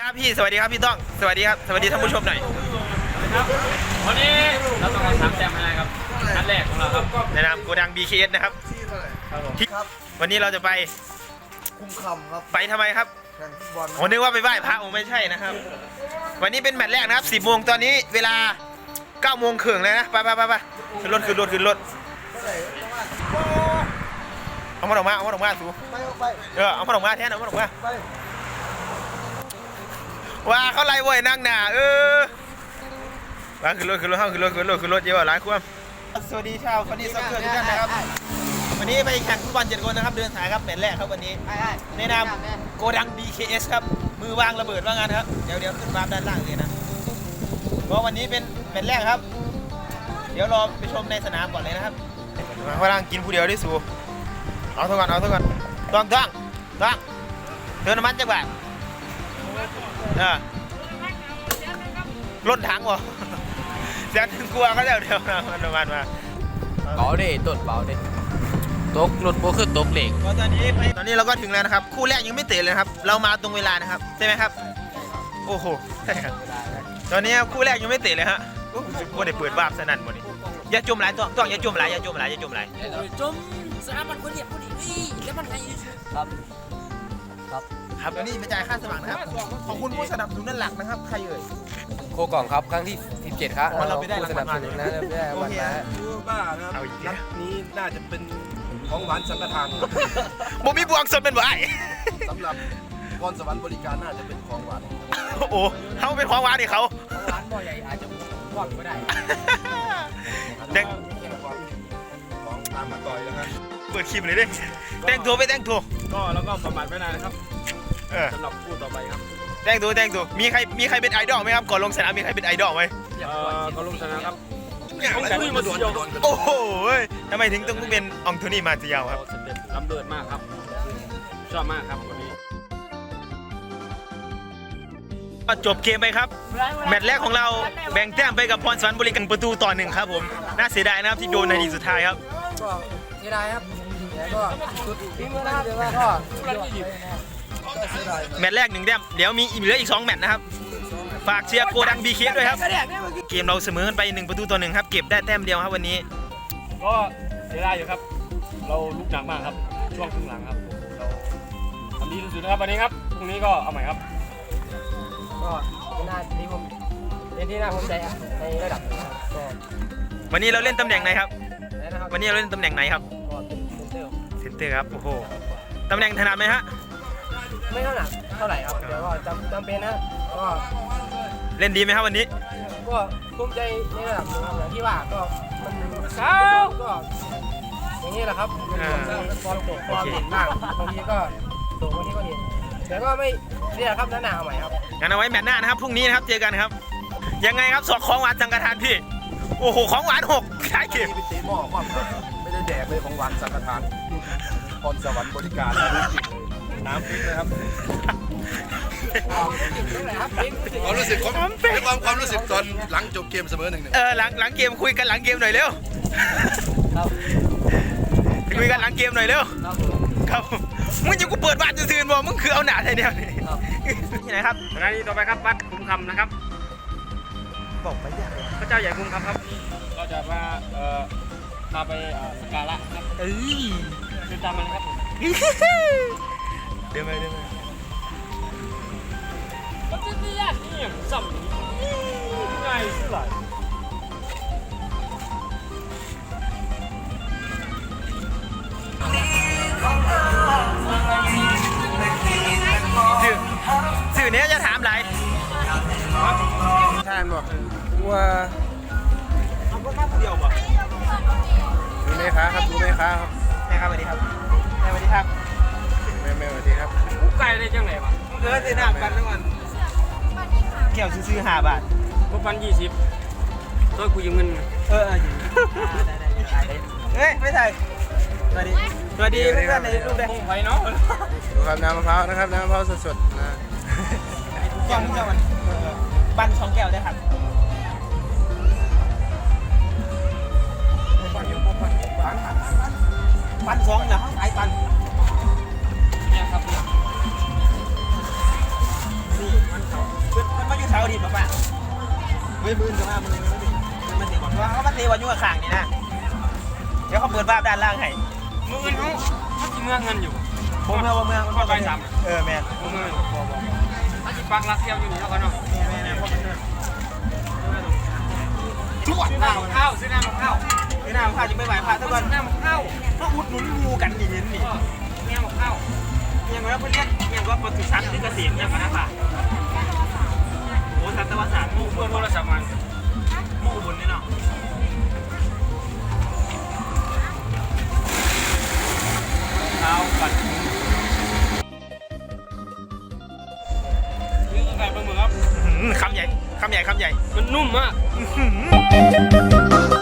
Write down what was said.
ครับพี่สวัสดีครับพี่ต้องสวัสดีครับสวัสดีท่านผู้ชมหน่อยครับวันนี้เราต้องมา3 แต้มให้ครับนัดแรกของเราครับในนามโกดัง BKS นะครับที่วันนี้เราจะไปคุ้มคำครับไปทำไมครับแข่งฟุตบอลผมนึกว่าไปไหว้พระไม่ใช่นะครับวันนี้เป็นแมตช์แรกนะครับ10 โมงตอนนี้เวลา9 โมงครึ่งเลยนะไปขึ้นรถเอามาออกมาสูไปเอามาออกมาแทนเอามาออกมาไปว่าเขาไล่เว้ยนั่งหนามาขึ้นรถเยอะหลายความสวัสดีชาวคนนี้ซักเกอร์ทุกท่านนะครับวันนี้ไปแข่งฟุตบอล7 คนนะครับเดินสายครับแมตช์แรกครับวันนี้ในนามโกดัง BKS ครับมือวางระเบิดว่างานครับเดี๋ยวขึ้นวางด้านล่างเลยนะเพราะวันนี้เป็นแมตช์แรกครับเดี๋ยวรอไปชมในสนามก่อนเลยนะครับมาพลังกินผู้เดียวได้สูเอาเท่ากันต้องเดินน้ำมันจังหวะรถถังวะแสนถึงกลัวก็เดี๋ยวนะมันมาเบาดิต้นเบาดิตกรถโบขึ้นตกเหล็กตอนนี้เราก็ถึงแล้วนะครับคู่แรกยังไม่เตะเลยครับเรามาตรงเวลานะครับใช่ไหมครับโอ้โหใช่ครับตอนนี้คู่แรกยังไม่เตะเลยฮะว่าได้เปิดวาบสนั่นหมดนี่อย่าจมไหลต้องอย่าจมไหลจมสนามมันคนเหยียบคนอีกแล้วมันไงครับแล้วนี่ไปจ่ายค่าสมัครนะครับขอบคุณผู้สนับสนุนหลักนะครับใครเอ่ยโคกล่องครับครั้งที่17ครับเราไปได้รางวัลมาเลยนะได้วันนะบ้านะครับนัดนี้น่าจะเป็นของหวานสังฆทานบ่มีบวงสดเป็นบ่ไอ้สำหรับพรสวรรค์บริการน่าจะเป็นของหวานโอ้เขาเป็นของหวานดิเขาร้านบ่อใหญ่อาจจะว่างก็ได้เด็กของตามมาต่อยแล้วครับเปิดคลิปเลยดิแต่งตัวก็แล้วก็ประมาทไม่นานนะครับสำหรับคู่ต่อไปครับแต่งตัวมีใครเป็นไอดอลไหมครับก่อนลงสนามมีใครเป็นไอดอลไหมก่อนลงสนามครับโอ้โหทำไมถึงต้องเป็นองโทนี่มาติยาวครับสเต็ปล้ำเลิศมากครับชอบมากครับวันนี้จบเกมไปครับแมตช์แรกของเราแบ่งแต้มไปกับพรสวรรค์บริการประตูต่อ1ครับผมน่าเสียดายนะครับที่โดนในทีสุดท้ายครับก็เสียดายครับแล้วก็สุดที่มือนะครับเดี๋ยวก็แมตช์แรก1 แต้มเดี๋ยวมีเหลืออีก2 แมตช์นะครับฝากเชียร์โกดัง BKS ด้วยครับเกมเราเสมอกันไป1-1ครับเก็บได้แต้มเดียวครับวันนี้ก็เสียดายอยู่ครับเราลุกหนักมากครับช่วงครึ่งหลังครับเราทำดีที่สุดนะครับวันนี้ครับพรุ่งนี้ก็เอาใหม่ครับก็เป็นหน้าที่ผมเป็นที่น่าภูมิใจในระดับก็วันนี้เราเล่นตำแหน่งไหนครับวันนี้เราเล่นตำแหน่งไหนครับเซนเตอร์ครับโอ้โหตำแหน่งถนัดไหมฮะไม่เท่าไหร่ครับเดี๋ยวก็จำเป็นนะก็เล่นดีไหมครับวันนี้ก็ภูมิใจในระดับอย่างที่ว่าก็มันก็อย่างนี้แหละครับความตกความเด่นบ้างบางทีก็ตกบางทีก็เด่นแต่ก็ไม่เนี่ยครับหน้าใหม่ครับงั้นเอาไว้แมตช์หน้านะครับพรุ่งนี้นะครับเจอกันครับยังไงครับสอกของหวานสังฆทานพี่โอ้โหของหวาน6ขายเก็บไปตีหม้อความไม่ได้แดกเลยของหวานสังฆทานพรสวรรค์บริการน้ำพริกนะครับความรู้สึกตอนหลังจบเกมเสมอ1-1 หลังเกมคุยกันหลังเกมหน่อยเร็วคุยกันหลังเกมหน่อยเร็วครับมึงยังกูเปิดบ้านจะซื้อบ่มึงคือเอาหนาไทยเดียวที่ไหนครับสถานีต่อไปครับวัดคุ้มคำนะครับบอกไปอย่างพระเจ้าใหญ่คุ้มคำครับก็จะมาพาไปสการะครับเดินตามมันครับเดินไปก็จะไม่ยากนี่อย่างสัมง่ายสุดเลยสื่อนี้จะถามอะไรท่านบอกว่าเอาก็แค่คนเดียวป่ะดูไหมครับแม่ครับสวัสดีครับแม่สวัสดีครับแม่สวัสดีครับกูไก่ได้จังไหนวะซื้อน้ำกันทั้งวันแก้วซื้อ5 บาทกูปัน20ตัวกูยืมเงินได้ไม่ใช่สวัสดีเพื่อนในรูปได้ไปเนาะดูครับน้ำมะพร้าวนะครับน้ำมะพร้าวสดๆนะแก้วมันปั้น2 แก้วได้ครับปั้น2นะเขาขายปั้นเนี่ยครับนี่มันมันมาอยู่เสาดีป่ะเฮ้ยมือจะมามือมันตีก่อนว่าเขามาตีวันยุ่งข้างนี่นะเดี๋ยวเขาเปิดบ้าด้านล่างให้มือเงินเขาจีเมืองเงินอยู่เมืองข้อไปสามแมนมือเงินเขาจีปักรักเที่ยวอยู่นี่แล้วกันเนาะแมนจวดน้ำข้าวซื้อน้ำข้าวนี่น้ำข้าวจะไม่ไหวพาทุกคนน้ำข้าวเพราะอุดหนุนงูกันนี่นี่น้ำข้าวยังไงว่าเพื่อนเรียกยังว่าปศุสัตว์ที่เกษตรยังไงนะป่ะโอ้สัตวศาสตร์งูเพื่อนโทรศัพท์มันงูบนนี่เนาะข้าวปัดนี่คือไก่ปลาหมึกครับคำใหญ่มันนุ่มมากเ